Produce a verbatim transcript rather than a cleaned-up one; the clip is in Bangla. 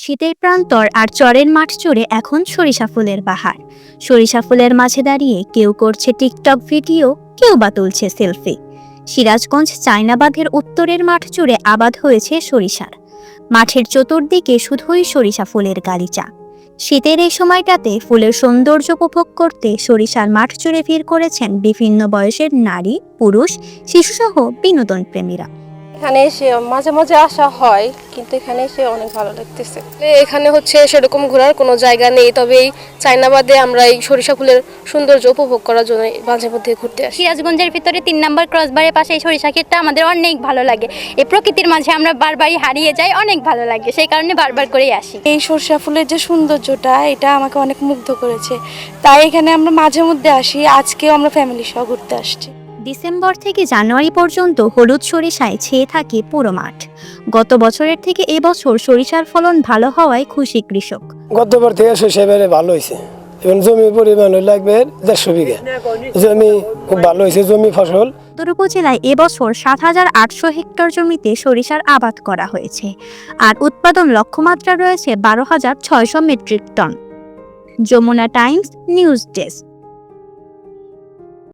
শীতের প্রান্তর আর চরের মাঠ জুড়ে এখন সরিষা ফুলের বাহার। সরিষা ফুলের মাঝে দাঁড়িয়ে কেউ করছে টিকটক ভিডিও, কেউ বা তুলছে সেলফি। সিরাজগঞ্জ চায়নাবাগের উত্তরের মাঠ জুড়ে আবাদ হয়েছে সরিষার। মাঠের চতুর্দিকে শুধুই সরিষা ফুলের গালিচা। শীতের এই সময়টাতে ফুলের সৌন্দর্য উপভোগ করতে সরিষার মাঠ জুড়ে ভিড় করেছেন বিভিন্ন বয়সের নারী, পুরুষ, শিশুসহ বিনোদন প্রেমীরা। এখানে এসে মাঝে মাঝে আসা হয়, কিন্তু এখানে এসে অনেক ভালো লাগতেছে। এখানে হচ্ছে সেরকম ঘোরার কোনো জায়গা নেই, তবে এই চায়নাবাদে আমরা এই সরিষা ফুলের সৌন্দর্য উপভোগ করার জন্য মাঝে মধ্যে ঘুরতে আসি। সিরাজগঞ্জের ভিতরে তিন নম্বর ক্রসবারের পাশে এই সরিষা ক্ষেতটা আমাদের অনেক ভালো লাগে। এই প্রকৃতির মাঝে আমরা বারবারই হারিয়ে যাই, অনেক ভালো লাগে, সেই কারণে বারবার করেই আসি। এই সরিষা ফুলের যে সৌন্দর্যটা, এটা আমাকে অনেক মুগ্ধ করেছে, তাই এখানে আমরা মাঝে মধ্যে আসি। আজকেও আমরা ফ্যামিলি সহ ঘুরতে আসছি। ডিসেম্বর থেকে জানুয়ারি পর্যন্ত হলুদ সরিষায় ছেয়ে থাকে পুরো মাঠ। গত বছরের থেকে এবছর সরিষার ফলন ভালো হওয়ায় খুশি কৃষক। গতবার থেকে সরিষা এবারে ভালো হয়েছে এবং জমির পরিমাণ লাগবে দেড়শো বিঘা জমি, খুব ভালো হয়েছে জমি ফসল। সদর উপজেলায় এবছর সাত হাজার আটশো হেক্টর জমিতে সরিষার আবাদ করা হয়েছে, আর উৎপাদন লক্ষ্যমাত্রা রয়েছে বারো হাজার ছয়শো metric ton. Jamuna Times news desk.